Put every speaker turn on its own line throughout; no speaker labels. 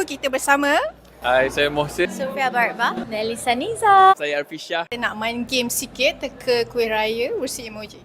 kita bersama.
Hai, saya Mohsin.
Sofia Barba. Melissa Niza.
Saya Arfisha.
Kita nak main game sikit, teka kuih raya versi emoji.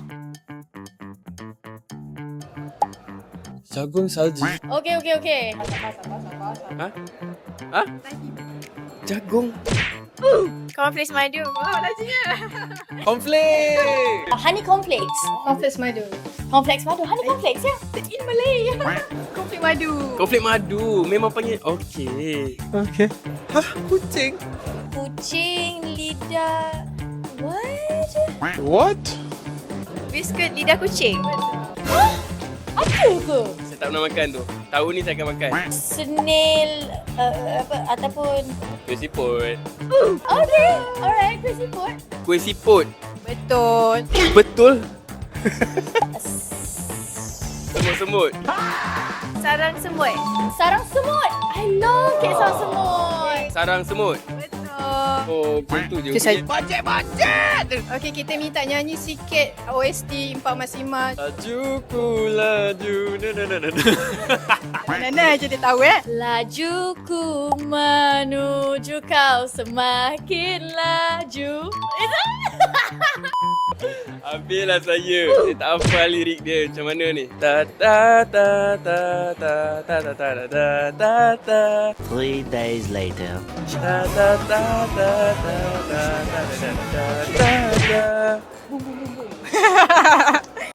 Jagung salji.
Okay.
Ha? Ha? Jagung.
Cornflakes madu. Wow, lajunya.
Cornflake.
Honey cornflakes.
Cornflakes madu.
Cornflakes madu. Honey cornflakes ya.
In Malay. Cornflake madu.
Cornflake madu. Memang panggil. Okey. Hah? Kucing?
Kucing, lidah. What?
What?
Biskut lidah kucing. Apa ke?
Saya tak pernah makan tu. Tahun ni saya akan makan.
Snail apa ataupun
Kuih siput.
okay, alright, kuih siput.
Kuih siput.
Betul.
Betul. Semut-semut.
Sarang semut. Sarang semut. I love kek sarang semut.
Sarang semut.
Betul.
Oh, betul je.
Okay, saya-
Bajet.
Okey, kita minta nyanyi sikit OST 4 Mas Imah.
Lajuku laju.
Nana je dia tahu
Lajuku menuju kau semakin laju.
Habislah saya. Saya tak hafal lirik dia. Macam mana ni? Ta ta ta ta ta ta ta ta ta ta ta
3 days later.
ta ta ta ta ta ta ta ta ta ta ta.